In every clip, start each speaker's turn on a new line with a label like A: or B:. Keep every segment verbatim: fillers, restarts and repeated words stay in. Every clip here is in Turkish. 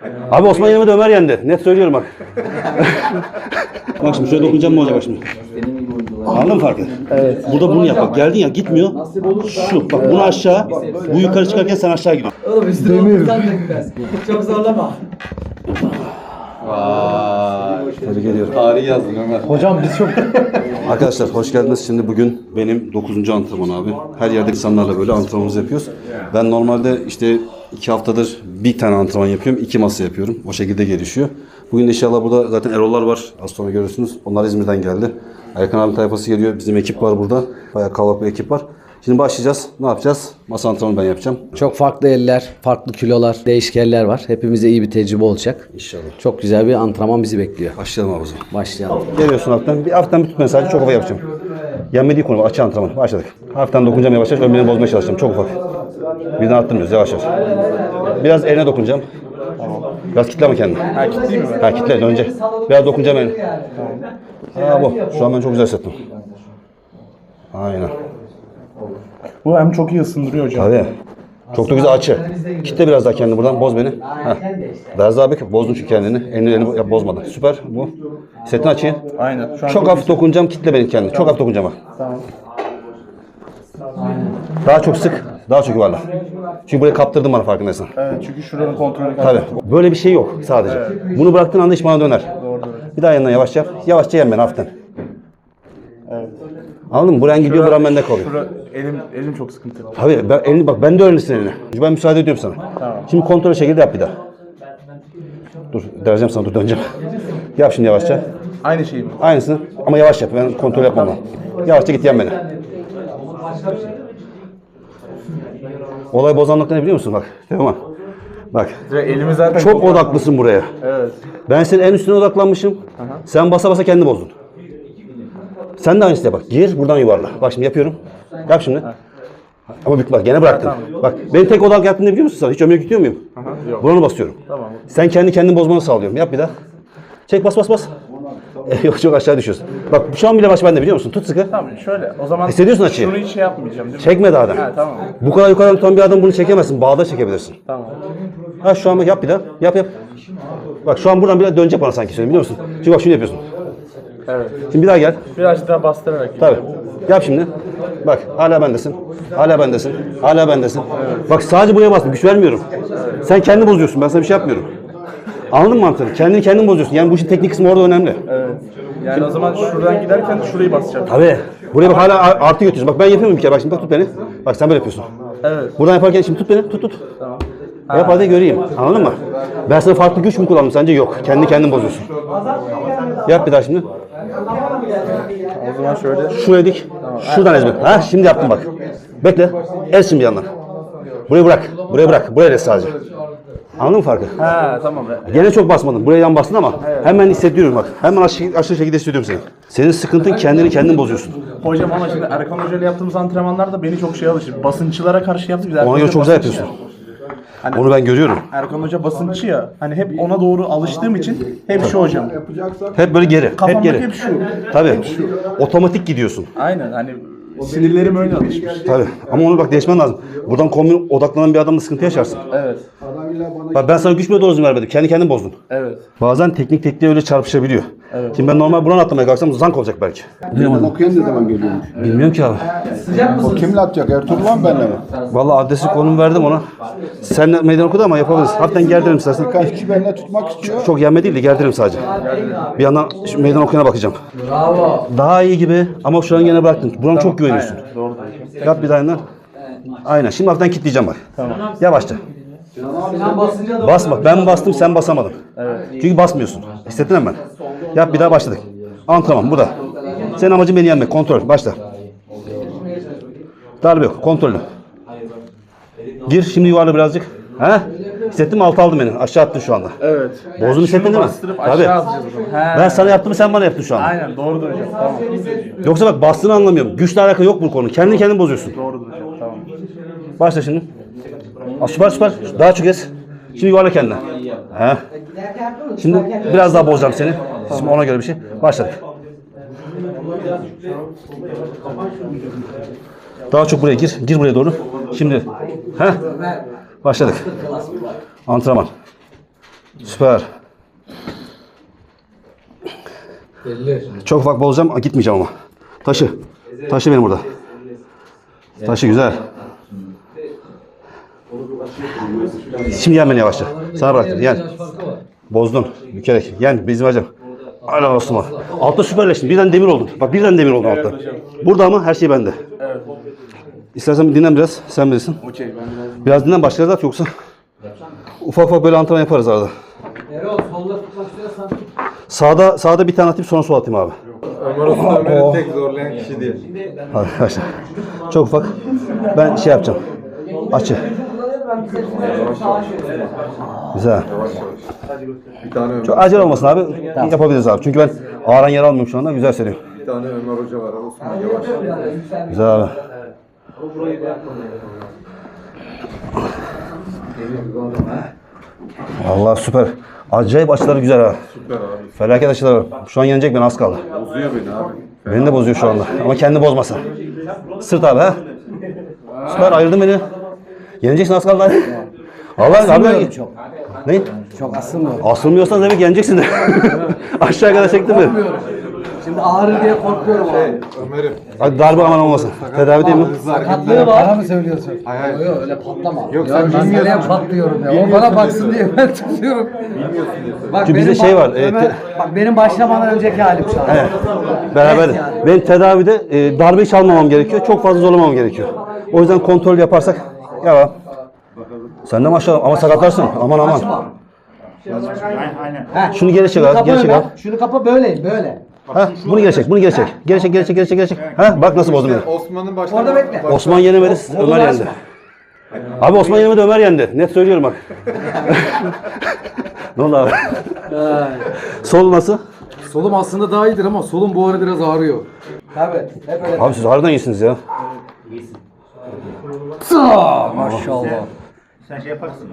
A: Abi Osman yenemedi, Ömer yendi. Net söylüyorum bak. Bak şimdi şöyle dokunacağım, ne olacak bak şimdi. Anladın mı farkı? Evet. Burada bunu yap bak. Geldin ya, gitmiyor. Şu bak, bunu aşağı, bu yukarı çıkarken sen aşağı gidiyorsun.
B: Oğlum üstüne olursan da gitmez. Çok zorlama.
C: Vay.
A: Tebrik ediyorum.
C: Tarih yazdın Ömer.
D: Hocam biz çok...
A: Arkadaşlar hoş geldiniz. Şimdi bugün benim dokuzuncu antrenman abi. Her yerde insanlarla böyle antrenmanımızı yapıyoruz. Ben normalde işte iki haftadır bir tane antrenman yapıyorum. iki masa yapıyorum. O şekilde gelişiyor. Bugün de inşallah burada zaten Erol'lar var. Az sonra görürsünüz. Onlar İzmir'den geldi. Erkan abi tayfası geliyor. Bizim ekip var burada. Bayağı kalabalık bir ekip var. Şimdi başlayacağız. Ne yapacağız? Masa antrenmanı ben yapacağım.
B: Çok farklı eller, farklı kilolar, değişkenler var. Hepimize iyi bir tecrübe olacak.
A: İnşallah.
B: Çok güzel bir antrenman bizi bekliyor.
A: Başlayalım abi o zaman.
B: Başlayalım.
A: Geliyorsun hafiften. Bir hafiften bir tut mesajı, çok hava yapacağım. Yenmediği konu açı antrenmanı. Başladık. Hafiften dokunacağım yavaş yavaş. Ömrünü bozmaya çalışacağım. Çok ufak. Birden attırmıyoruz yavaş yavaş. Biraz eline dokunacağım. Biraz kitle mi kendini?
D: Ha kitleyeyim mi?
A: Ha kitle önce. Biraz dokunacağım eline. Ha bu. Şu an ben çok güzel hissettim. Aynen.
D: Bu hem çok iyi ısındırıyor hocam.
A: Tabii. Çok da güzel açı. Kitle biraz daha kendini buradan. Boz beni. Heh. Biraz daha bek. Bozdun çünkü kendini. Elini, elini yap, bozmadan. Süper. Bu. Hissettin açıyı.
D: Aynen. Şu an
A: Çok hafif dokunacağım. Kitle beni kendini. Çok hafif dokunacağım bak.
D: Tamam.
A: Daha çok sık. Daha çok yuvarla. Çünkü burayı kaptırdın bana, farkındaysan.
D: Evet, çünkü şuranın kontrolü
A: Tabii. Böyle bir şey yok sadece. Bunu bıraktığın anda iş bana döner.
D: Doğru doğru.
A: Bir daha yanından yavaş yap. Yavaşça yen beni hafiften.
D: Evet.
A: Anladın mı? Buran gidiyor, buran bende kalıyor.
D: Şura, elim, elim çok sıkıntılı.
A: Tabii. Ben, elini, bak ben de öğrenirsin elini. Ben müsaade ediyorum sana.
D: Tamam.
A: Şimdi kontrol şekilde yap bir daha. Dur. Dereceğim sana. Dur döneceğim. Yap şimdi yavaşça.
D: Aynı şey mi?
A: Aynısını ama yavaş yap. Ben kontrol yapmam lazım. Yavaşça git yen beni. Olay bozan nokta ne biliyor musun? Bak. Teoman. Bak.
D: Direkt elimi zaten
A: Çok odaklısın buraya.
D: Evet.
A: Ben senin en üstüne odaklanmışım. Sen basa basa kendini bozdun. Sen de aynısını yap bak. Gir buradan yuvarla. Bak şimdi yapıyorum. Yap şimdi. Ama bak, bak gene bıraktın. Bak benim tek odak yaptığını biliyor musun sen? Hiç ömrüne gidiyor muyum?
D: Yok.
A: Buranı basıyorum.
D: Tamam.
A: Sen kendi kendini bozmanı sağlıyorum. Yap bir daha. Çek, bas bas bas. Yok, çok aşağı düşüyorsun. Bak şu an bile baş bende, biliyor musun? Tut sıkı.
D: Tamam şöyle. O zaman
A: Hissediyorsun açıyı.
D: şunu hiç şey yapmayacağım değil mi?
A: Çekme daha da.
D: Ha, tamam.
A: Bu kadar yukarıdan tutan bir adam bunu çekemezsin. Bağda çekebilirsin.
D: Tamam.
A: Ha şu an bak, yap bir daha. Yap yap. Bak şu an buradan bir daha dönecek bana sanki, biliyor musun? Çünkü bak şunu yapıyorsun.
D: Evet.
A: Şimdi bir daha gel.
D: Biraz daha bastırarak.
A: Tabii. Yap şimdi. Bak hala bendesin. Hala bendesin. Hala bendesin. Bak sadece buraya bastım. Güç vermiyorum. Sen kendini bozuyorsun. Ben sana bir şey yapmıyorum. Anladın mı mantığını? Kendini kendin bozuyorsun. Yani bu işin teknik kısmı orada önemli.
D: Evet. Yani o zaman şuradan giderken şurayı basacağım.
A: Tabii. Buraya bak hala artı götürüyorsun. Bak ben yapıyorum bir kere. Bak şimdi bak, tut beni. Bak sen böyle yapıyorsun.
D: Evet.
A: Buradan yaparken şimdi tut beni. Tut tut.
D: Tamam.
A: Yap hadi göreyim. Anladın mı? Ben sana farklı güç mü kullandım sence? Yok. Kendi kendin bozuyorsun. Yap bir daha şimdi.
D: O zaman şöyle.
A: Şuraya dik. Şuradan ezme. Ha şimdi yaptım bak. Bekle. Ez şimdi yandan. Burayı bırak. Burayı bırak. Buraya ez sadece. Anladın mı farkı?
D: Ha tamam.
A: Gene çok basmadın. Buraya yan bastın ama hemen hissediyorum bak. Hemen aşağı, aşağı şekilde hissediyorum seni. Senin sıkıntın kendini kendin bozuyorsun.
D: Hocam ama şimdi Erkan Hoca ile yaptığımız antrenmanlarda beni çok şey alışır. Basınçılara karşı yaptık. Biz Erkan
A: Ona göre
D: Hoca
A: çok güzel
D: basınçı
A: yapıyorsun.
D: ya. Hani
A: Onu ben görüyorum.
D: Erkan Hoca basınçı ya. Hani hep ona doğru alıştığım için hep şu hocam.
A: Hep böyle geri. Hep
D: Kafamdaki
A: geri.
D: hep şu.
A: Tabii. Otomatik gidiyorsun.
D: Aynen hani sinirlerim öyle alışmış.
A: Tabii. Ama onu bak değişmen lazım. Buradan kombin odaklanan bir adamla sıkıntı yaşarsın.
D: Evet.
A: Bak ben sana güç bile doğru düzgün vermedim. Kendi kendin bozdun.
D: Evet.
A: Bazen teknik tekniğe öyle çarpışabiliyor. Evet. Şimdi ben normal buradan atlamaya kalksam zank olacak belki.
E: Okuyan ne zaman geliyormuş?
A: Bilmiyorum ki abi.
E: O kimle atacak? Ertuğrul mu benle mi?
A: Vallahi adresi konum verdim ona. Sen meydan okudu ama yapabiliriz. Hafiften gerdirelim istersen.
E: Birkaç kişi benimle tutmak istiyor.
A: Çok yenme değil de gerdirelim sadece. Bir yandan şu meydan okuyana bakacağım.
B: Bravo.
A: Daha iyi gibi ama şu an gene bıraktın. Buranın çok güveniyorsun.
D: Doğru.
A: Yap bir daha yandan. Aynen. Şimdi hafiften kilitleyeceğim bak. Tamam. Yavaşça. Basma. Ben bastım, sen basamadın. Evet. Çünkü basmıyorsun. Hissettin hemen. Yap bir daha, başladık. Antrenman bu da. Senin amacın beni yenmek. Kontrol. Başla. Darbe yok. Kontrollü. Gir. Şimdi yuvarla birazcık. He? Hissettin mi? Altı aldım beni. Aşağı attın şu anda.
D: Evet.
A: Bozdun, hissettin değil mi?
D: Bastırıp
A: Tabii.
D: aşağı atacağız o zaman. He.
A: Ben sana yaptım, sen bana yaptın şu anda.
D: Aynen doğrudur hocam. Tamam.
A: Yoksa bak bastığını anlamıyorum. Güçle alakalı yok bu konu. Kendini kendin bozuyorsun.
D: Doğrudur hocam. Tamam.
A: Başla şimdi. Aa, süper süper. Daha çok ez. Şimdi yuvarla kendine. He. Şimdi biraz daha bozacağım seni. Şimdi ona göre bir şey. Başladık. Daha çok buraya gir. Gir buraya doğru. Şimdi. He. Başladık. Antrenman. Süper. Çok ufak bozacağım. Gitmeyeceğim ama. Taşı. Taşı benim burada. Taşı güzel. Şimdi yen beni yavaşça. Sana bıraktım. Yen. Bozdun. Bükerek. Yen. Bizim hocam. Hala olsun bak. Altta süperleştin. Birden demir oldun. Bak birden demir oldun altta. Burada ama her şey bende. İstersen dinlen biraz. Sen bilirsin. Biraz dinlen başlarız at yoksa. Ufak ufak böyle antrenman yaparız arada.
B: Erol solda tutmak istiyorsan.
A: Sağda sağda bir tane atayım sonra sol atayım abi.
C: Ömer Usta Ömer'i tek zorlayan kişi diye.
A: Hadi arkadaşlar. Çok ufak. Ben şey yapacağım. Açı. Güzel.
C: Bir tane Ömer,
A: Çok acele olmasın abi. Yapabiliriz abi. Çünkü ben ağıran yer almıyorum şu anda. Güzel seriyor.
C: bir tane Ömer Hoca var. Osman Yavaş.
A: Güzel abi. Allah süper. Acayip açıları güzel ha.
C: Süper abi.
A: Felaket açıları var. Şu an yenecek beni az kaldı.
C: Bozuyor beni abi.
A: Beni de bozuyor şu anda. Ama kendi bozmasın. Sırt abi ha. Süper ayırdın beni. Yeneceksin az kaldı. Allah abi.
B: Çok.
A: Ne?
B: Çok asılmıyor.
A: Asılmıyorsan demek yeneceksin de. Aşağı kadar çektin mi?
B: Şimdi ağrı diye korkuyorum abi.
C: Ömer'im.
A: Hadi darbe aman olmasın. Tedavi değil mi?
B: Sakatlığı var. Bana mı söylüyorsun?
C: Hayır hayır.
B: Yok öyle patlama.
C: Yok,
B: Ya
C: sen
B: ben
C: bilmiyorsun.
B: nereye patlıyorum ya. O bana baksın diye ben tutuyorum. Bak
A: Çünkü bizde
B: benim
A: şey
B: bak-
A: var, e,
B: Ömer-
A: te-
B: bak benim başlamadan önceki halim şu an.
A: Evet. Beraber.
B: Evet yani.
A: Ben tedavide e, darbe çalmamam gerekiyor. Çok fazla zorlamamam gerekiyor. O yüzden kontrol yaparsak. Ya. Sen de maşallah ama sakatlarsın. Aman aman.
B: Heh.
A: Şunu geri çek abi.
B: Kapa
A: Geri çek
B: Ömer.
A: abi.
B: Şunu kapa böyle böyle.
A: Ha, bunu geri çek. Bunu geri çek. Geri çek, geri çek, geri çek, geri çek, geri çek. Ha, bak nasıl bozdum beni.
C: Osman'ın başta...
B: Orada bekle.
A: Osman yenemedi, Ömer yendi. Abi Osman yenemedi, Ömer yendi. Net söylüyorum bak. Ne oldu abi? Sol nasıl?
F: Solum aslında daha iyidir ama solum bu ara biraz ağrıyor.
B: Tabii. Hep öyle.
A: Abi siz harbiden iyisiniz ya.
B: Maşallah.
D: Sen şey yaparsın.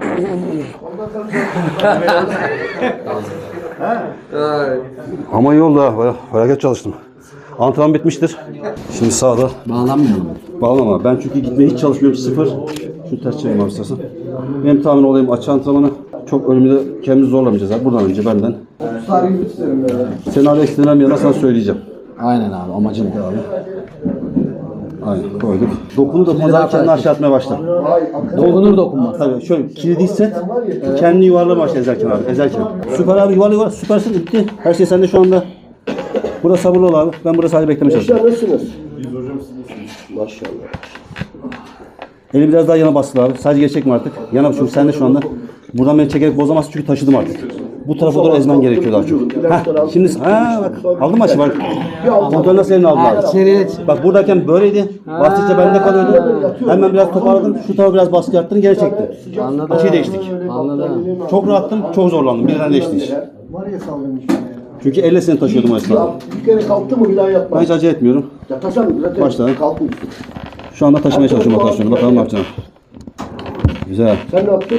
A: Ama iyi oldu ha. Baya- Felaket çalıştım. Antrenman bitmiştir. Şimdi sağda.
B: Bağlanmıyorum.
A: Bağlama. Ben çünkü gitmeye hiç çalışmıyorum. Sıfır. Şu ters çevireyim abi istersen. Benim tahmin olayım açı antrenmanı. Çok ölümde kendimizi zorlamayacağız abi. Buradan önce benden. Senin hala ekstrem bir yana sana söyleyeceğim.
B: Aynen abi amacım bu abi.
A: Aynen koyduk. Dokunu da pazar kendini aşağı atmaya başla.
B: Dokunur dokunmaz.
A: Tabii şöyle kilidi hisset. Kendini yuvarlama başla ezerken abi. Ezerken. Süper abi yuvarla yuvarla. Süpersin bitti. Her şey sende şu anda. Burada sabırlı ol abi. Ben burada sadece beklemeye çalışıyorum.
E: Nasılsınız? Maşallah.
A: Eli biraz daha yana bastır abi. Sadece geri çekme artık. Yana çünkü sen de şu anda. Buradan beni çekerek bozamazsın çünkü taşıdım artık. Bu tarafa doğru ezmen gerekiyor daha çok. Heh, şimdi ha bak aldın mı açı bak. Kontrol nasıl elini aldın abi?
B: İçeriye
A: Bak buradayken böyleydi. Bastıkça bende kalıyordu. Hemen biraz toparladım. Şu tarafa biraz baskı yaptın geri çektim.
B: Anladım.
A: Açıyı değiştik.
B: Anladım.
A: Çok rahattım, çok zorlandım. Birden değişti iş. Çünkü elle seni taşıyordum o esnada.
E: Bir kere kalktı mı bir daha yapma.
A: Ben hiç acele etmiyorum.
E: Yatasan zaten
A: Başla.
E: kalkmış.
A: Şu anda taşımaya çalışıyorum rotasyonu. Bakalım ne yapacağım. Güzel.
E: Sen ne yaptın?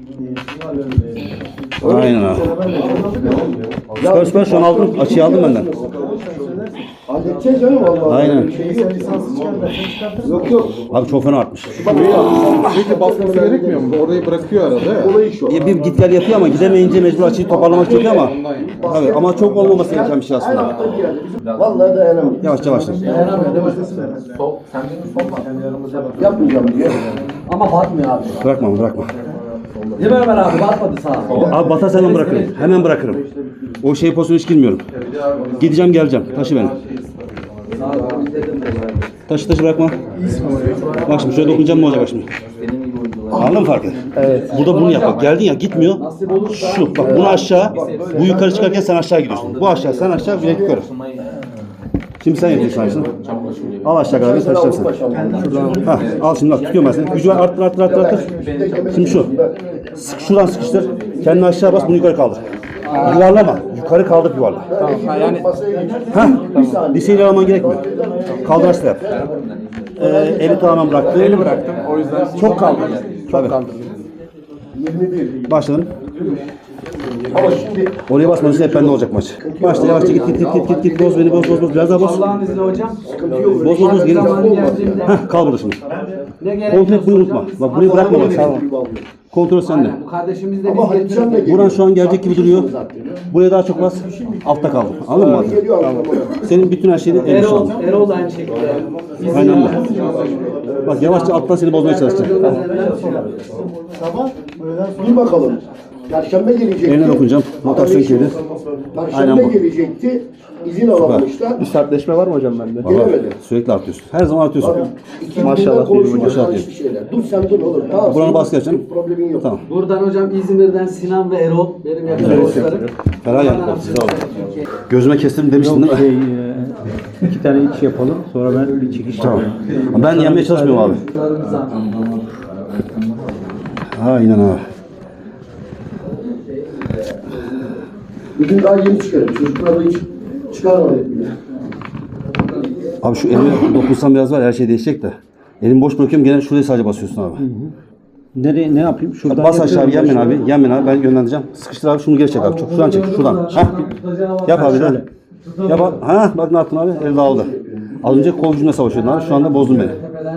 A: Aynen abi. Süper süper şu an aldım. Açıyı aldım benden.
E: Halledeceğiz canım Allah.
A: Aynen.
E: Yok yok.
A: Abi çok fena artmış.
C: Sürekli basması gerekmiyor mu? Orayı bırakıyor arada ya.
E: Olayı şu.
A: Bir, bir git gel yapıyor ama gidemeyince mecbur açıyı toparlamak çok iyi ama. Tabii ama çok olmaması gereken bir şey aslında.
E: Vallahi dayanamıyorum.
A: Yavaşça başla.
E: Yapmayacağım diye.
B: Ama batmıyor abi.
A: Bırakma bırakma.
B: Değil mi Ömer abi? Batmadı sağa.
A: Abi batarsa hemen bırakırım. Hemen bırakırım. O şey pozisyona hiç girmiyorum. Gideceğim geleceğim. Taşı beni. Taşı taşı bırakma. Bak şimdi şöyle dokunacağım ne olacak bak şimdi. Anladın mı farkı? Evet. Burada bunu yap. Bak geldin ya gitmiyor. Şu bak bunu aşağı. Bu yukarı çıkarken sen aşağı gidiyorsun. Bu aşağı sen aşağı bilek yukarı. Şimdi sen yapıyorsun aynısını. Al aşağı kadar bir taşıyacaksın. Hah, al şimdi bak tutuyorum ben seni. Gücü var arttır arttır arttır arttır. Şimdi şu. Sık, şuradan sıkıştır. Kendini aşağı bas bunu yukarı kaldır. Yuvarlama. Yukarı kaldır yuvarla. Hah. Liseyle alman gerekmiyor. Kaldıraçla yap. Ee, eli tamamen bıraktı. Eli bıraktım. O yüzden çok kaldı. Çok kaldı. Başladım.
E: Ama şimdi
A: Oraya basmanız hep bende olacak maç. Başla yavaşça git git git git git git boz beni boz boz boz biraz daha boz.
B: Allah'ın izniyle hocam.
A: Boz boz boz gelin.
B: Zamanı geldiğinde
A: Heh, kal burada şimdi.
B: ne gerek
A: Kontrol etmeyi unutma. Bak burayı bırakma bak. Tamam. Kontrol sende.
B: Bu kardeşimiz de
E: ama
B: biz
E: Hatice'm de
B: getirdik.
E: geliyor.
A: Buran şu an gelecek gibi duruyor. Buraya daha çok bas. Altta kaldım. Anladın mı? Adem?
E: Geliyor antrenmana.
A: Senin bütün her şeyini eline şu
B: Erol,
A: an.
B: Erol da aynı şekilde. Bizim
A: Aynen öyle. Bak yavaşça alttan seni bozmaya çalışacak.
E: Sabah bir bakalım. Perşembe gelecekti.
A: Eline dokunacağım. Rotasyon kilidi. Aynen
E: Perşembe
A: bu.
E: gelecekti. İzin alamamışlar.
C: Bir sertleşme var mı hocam bende?
A: Vallahi
E: Gelemedi.
A: sürekli artıyorsun. Her zaman artıyorsun.
E: Maşallah konuşuyoruz.
A: Maşallah
E: Maşallah şeyler. Dur sen dur oğlum. Tamam.
A: Buranı
E: senin
A: bas geçeceğim.
E: Problemin yok.
A: Tamam.
B: Buradan hocam İzmir'den Sinan ve Erol benim yakın dostlarım.
A: Ferah geldi. Size oldu. Gözüme kestim demiştin değil mi?
G: Şey, e, iki tane iç yapalım. Sonra ben bir çekiş
A: Tamam.
G: yapayım.
A: Ben yenmeye çalışmıyorum abi.
B: Dostlarımıza.
A: Aynen abi.
E: Bugün daha yeni çıkarım. Çocuklar da hiç çıkarmadık bile.
A: Abi şu elime dokunsam biraz var her şey değişecek de. Elimi boş bırakıyorum gene şuraya sadece basıyorsun abi.
G: Nereye, ne yapayım? Şuradan
A: Bas aşağı
G: yapıyorum.
A: yen beni abi. Yen beni abi ben yönlendireceğim. Sıkıştır abi şunu geri çek abi. Çok şuradan çek şuradan. Heh. Yap abi de. Yap abi. Ha bak ne yaptın abi? El dağıldı. Az önce kol gücümle savaşıyordun abi. Şu anda bozdun beni.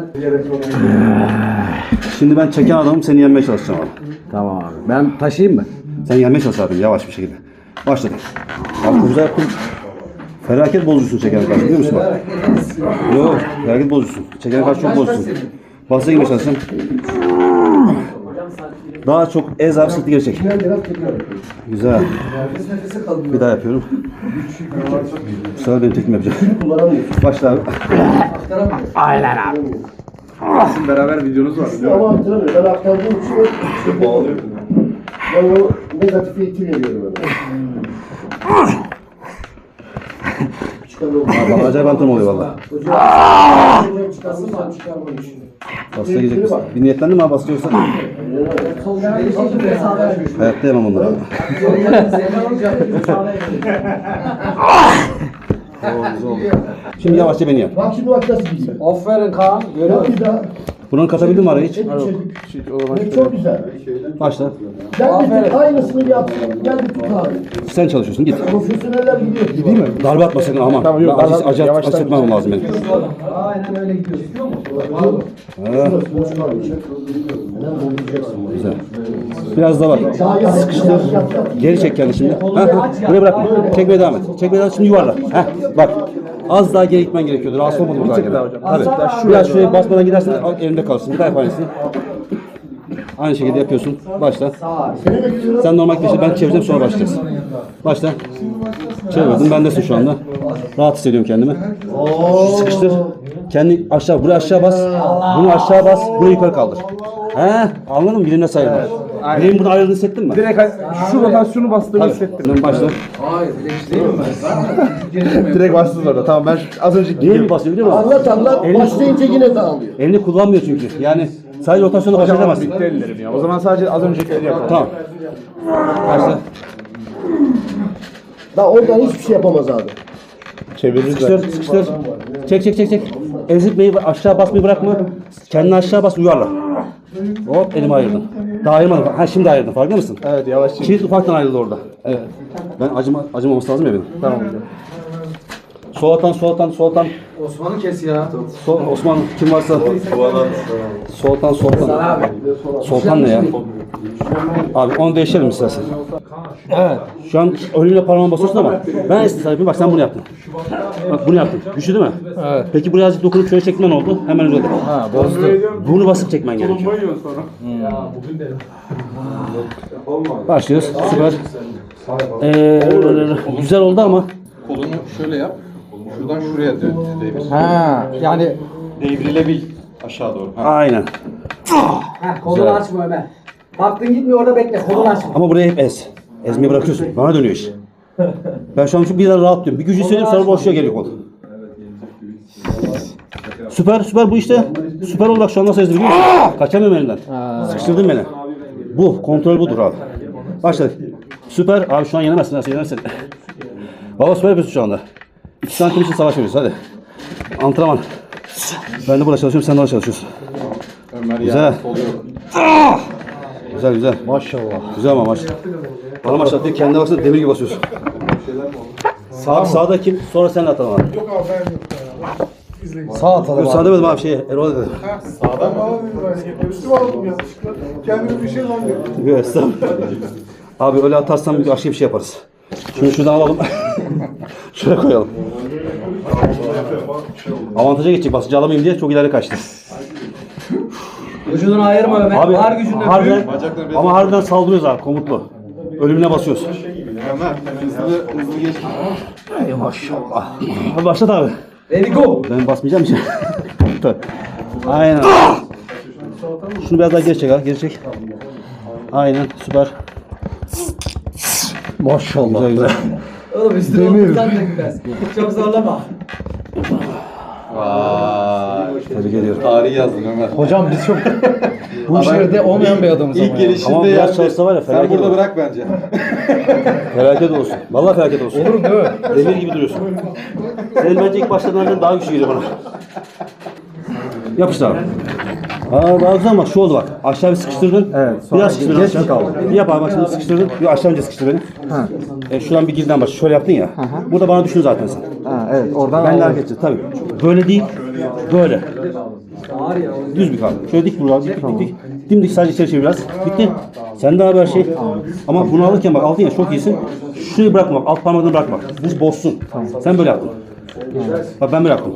A: Şimdi ben çeken adamım seni yenmeye çalışacağım abi.
B: Tamam abi. Ben taşıyayım mı?
A: Sen yenmeye çalış abi yavaş bir şekilde. Başladık. Abi çok güzel yaptın. Felaket bozucusun çekene karşı biliyor musun bak? Yok felaket bozucusun. Çekene karşı çok bozucusun. Basına girmeye çalışacağım. Daha çok ez abi sırtı geri çek. Güzel. Bir daha yapıyorum. Bu sefer benim tekniğimi yapacağım. Başla abi.
C: Sizin beraber videonuz var.
E: Ama hatırlamıyorum. Ben aktardığım için şey bağlıyorum. Ben o negatifi itilemiyorum öyle.
A: Abi acayip antrenman oluyor valla.
E: Hocam çıkarmışsan çıkarmamış.
A: Basına girecek misin? Bir niyetlendin mi abi basına yoksa? Hayatta yemem onları abi. Şimdi yavaşça beni yap.
E: Bak şimdi bak nasıl gidiyor.
B: Aferin Kaan.
E: Yap bir daha.
A: Bunu katabildin mi araya hiç?
E: Ne çok güzel.
A: Başla.
E: Gel bir tık aynısını yapsın. Gel bir tık abi.
A: Sen çalışıyorsun git.
E: Profesyoneller gidiyor. Değil mi?
A: Darbe atma sakın aman.
C: Tamam, yok,
A: Ben acı,
C: darbe-
A: acı,
C: yavaştan-
A: acı etmem lazım benim.
B: Aynen öyle gidiyorsun.
A: Güzel. Biraz daha bak. Sıkıştır. Geri çek kendini şimdi. Ha, ha. Buraya bırakma. Çekmeye devam et. Çekmeye devam et. Şimdi yuvarla. Ha, bak. Az daha geri gitmen gerekiyordu. Rahatsız olmadı bu daha geri. Tabii. Biraz şuraya basmadan gidersen al, elimde kalsın. Bir daha yap aynısını. Aynı şekilde yapıyorsun. Başla. Sen normal peşe ben çevireceğim sonra başlayacağız. Başla. Çevirdim. Bendesin şu anda. Rahat hissediyorum kendimi. Sıkıştır. Kendi aşağı, buraya aşağı bas. Bunu aşağı bas. Burayı yukarı kaldır. He, anladın mı? Bilimle sayılır. Bilim bunu ayrıldığını hissettin mi?
C: Direkt şu rotasyonu bastığımı hissettim.
A: Şimdi başla.
B: Hayır, bilinç değil mi?
C: Direkt bastınız orada. Tamam ben az önceki
A: Niye mi basıyor biliyor musun?
E: Anlat anlat. Başlayınca yine dağılıyor.
A: Elini kullanmıyor çünkü. Yani sadece rotasyonla baş edemezsin.
C: bitti ellerim ya. O zaman sadece az öncekileri yapalım.
A: Tamam. Başla.
E: Daha oradan hiçbir şey yapamaz abi.
C: Çeviririz
A: Sıkıştır, sıkıştır. Çek, çek, çek, çek. Ezitmeyi, aşağı basmayı bırakma. Kendini aşağı bas, uyarla. Hop, elimi ayırdım. Daha ayırmadım. Ha şimdi ayırdım, farkında mısın?
C: Evet yavaş çevir.
A: Kilit ufaktan ayrıldı orada. Evet. Ben acıma, acımaması lazım ya benim.
C: Tamam hocam.
A: Sol atan, sol atan, sol atan.
B: Osman'ı kes ya.
A: Sol, Osman kim varsa. Soltan, soltan. Soltan ne ya? Abi onu değiştirelim istersen. Evet. Şu an önüne parmağına basıyorsun ama ben esnaf yapayım. Bak sen bunu yaptın. Bak bunu yaptın. Güçlü değil mi? Evet. Peki buraya azıcık dokunup şöyle çekmen oldu. Hemen uzadı. Ha bozdu. Bunu basıp çekmen gerekiyor. Başlıyoruz. Süper. Ee, güzel oldu ama.
H: Kolunu şöyle yap. Şuradan şuraya dö- devir.
B: Ha, yani
H: Devrilebil aşağı doğru. Ha.
A: Aynen.
B: ha, kolunu açma Ömer. Baktın gitmiyor orada bekle. Kolunu açma.
A: Ama buraya hep ez. Ezmeyi bırakıyorsun. Bana dönüyor iş. Ben şu an şu bir daha rahat diyorum. Bir gücü söyleyeyim sonra boşluğa geliyor kol. Süper süper bu işte. Süper oldu bak şu an nasıl ezdi biliyor musun? Kaçamıyorum elinden. Sıkıştırdın beni. Bu kontrol budur abi. Başladık. Süper. Abi şu an yenemezsin. Nasıl yenersin? Baba süper yapıyorsun şu anda. İki santim için savaş veriyoruz hadi. Antrenman. Ben de burada çalışıyorum sen de orada çalışıyorsun.
H: Ömer
A: Güzel.
H: ya. Oluyor.
A: Güzel güzel.
C: Maşallah.
A: Güzel ama maç. Bana maç atıyor. Kendine baksana demir gibi basıyorsun. Sağ, sağda kim? Sonra sen atalım abi.
C: Sağ atalım
A: Yok, sağ demedim abi şey. Erol dedi.
E: Üstüme aldım yanlışlıkla. Kendimi bir şey zannettim.
A: Yok estağfurullah. Abi öyle atarsan bir başka bir şey yaparız. Şunu şuradan alalım. Şuraya koyalım. Avantaja geçecek. Basıncı alamayayım diye çok ileri kaçtı.
B: Vücudunu ayırma Ömer.
A: Abi
B: Var gücünle
A: harbiden, ama harbiden saldırıyoruz abi komutlu. Ölümüne basıyoruz.
H: Hızlı hızlı geç.
A: Ey maşallah. Hadi başlat abi.
B: Ready go.
A: Ben basmayacağım için. Aynen. Şunu biraz daha geri çek ha. Geri çek. Aynen süper.
C: Maşallah.
A: Güzel güzel.
B: Oğlum üstüne otursan da biraz. Çok zorlama.
H: Vay.
A: Tebrik ediyorum.
H: Tarih yazdın Ömer.
C: Hocam biz çok bu işlerde olmayan bir adamız
H: İlk
C: ama ya.
H: gelişinde
A: Ama biraz
H: yendi.
A: çalışsa var ya,
H: Sen
A: felaket
H: burada
A: olur.
H: bırak bence.
A: Felaket olsun. Vallahi felaket olsun.
C: Olur değil mi?
A: Demir gibi duruyorsun. Senin bence ilk başladığından daha güçlü geliyor bana. Yapıştır abi. Aa daha güzel bak şu oldu bak. Aşağı bir sıkıştırdın.
C: Evet, sonra
A: Biraz sıkıştırdın
C: geç mi
A: aşağı.
C: kaldı?
A: Bir yap abi bak şimdi sıkıştırdın. Bir aşağı önce sıkıştır beni.
C: Ha.
A: E, şuradan bir girden başla. Şöyle yaptın ya. Burada bana düşün zaten sen.
C: Ha, evet oradan
A: Ben de
C: aldım.
A: hareket edeceğim tabii. Böyle değil. Böyle. Düz bir kalk. Şöyle dik vur abi. Dik dik dik. Dimdik sadece içeri çevir biraz. Bitti. Sen de abi her şey. Ama bunu alırken bak aldın ya çok iyisin. Şurayı bırakma bak. Alt parmağını bırakma. Bu bozsun. Sen böyle yaptın. Bak ben böyle yaptım.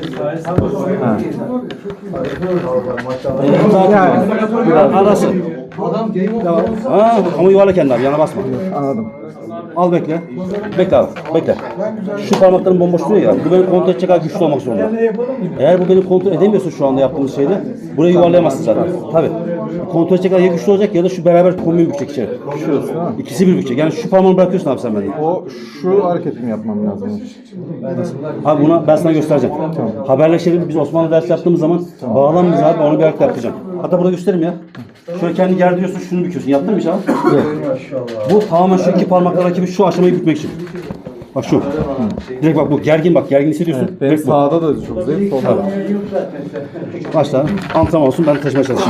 A: Yani. Arası. Ha, ama yuvarla kendini abi yana basma.
C: Anladım.
A: Al bekle. Bekle abi. Bekle. Şu parmakların bomboş duruyor ya. Bu beni kontrol edecek kadar güçlü olmak zorunda. Eğer bu beni kontrol edemiyorsa şu anda yaptığımız şeyde burayı yuvarlayamazsın zaten. Tabii. Kontrol edecek kadar ya güçlü olacak ya da şu beraber kombin bükecek içeri. İkisi bir bükecek. Yani şu parmağını bırakıyorsun abi sen benden.
C: O şu hareketimi yapmam lazım.
A: Abi buna ben sana göstereceğim. Haberleşelim. Biz Osmanlı ders yaptığımız zaman bağlan bize abi onu bir ayakta yapacağım. Hatta burada göstereyim ya. Şöyle kendi gerdiriyorsun şunu büküyorsun. Yaptın mı hiç abi? Bu tamamen şu iki parmakla rakibi şu aşamayı bükmek için. Bak şu. Direkt bak bu gergin bak gergin hissediyorsun.
C: Benim
A: Direkt bu.
C: sağda da çok zayıf, solda da.
A: Başla. Antrenman olsun ben taşımaya çalışayım.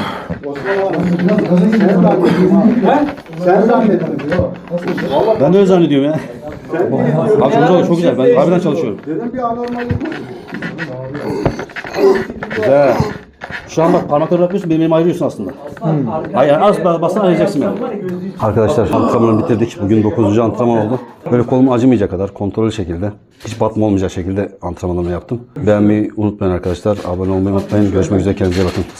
E: Sen zannettin.
A: Ben de öyle zannediyorum ya. Abi çok güzel, çok güzel. Ben harbiden çalışıyorum.
E: Dedim bir anormallik.
A: Güzel. Şu an bak parmakları bırakıyorsun, benim elimi ayırıyorsun aslında. Hayır, az bassan ayıracaksın beni. Arkadaşlar antrenmanı bitirdik. Bugün dokuzuncu antrenman oldu. Böyle kolum acımayacak kadar kontrollü şekilde, hiç batma olmayacak şekilde antrenmanlarımı yaptım. Beğenmeyi unutmayın arkadaşlar. Abone olmayı unutmayın. Görüşmek üzere, kendinize iyi bakın.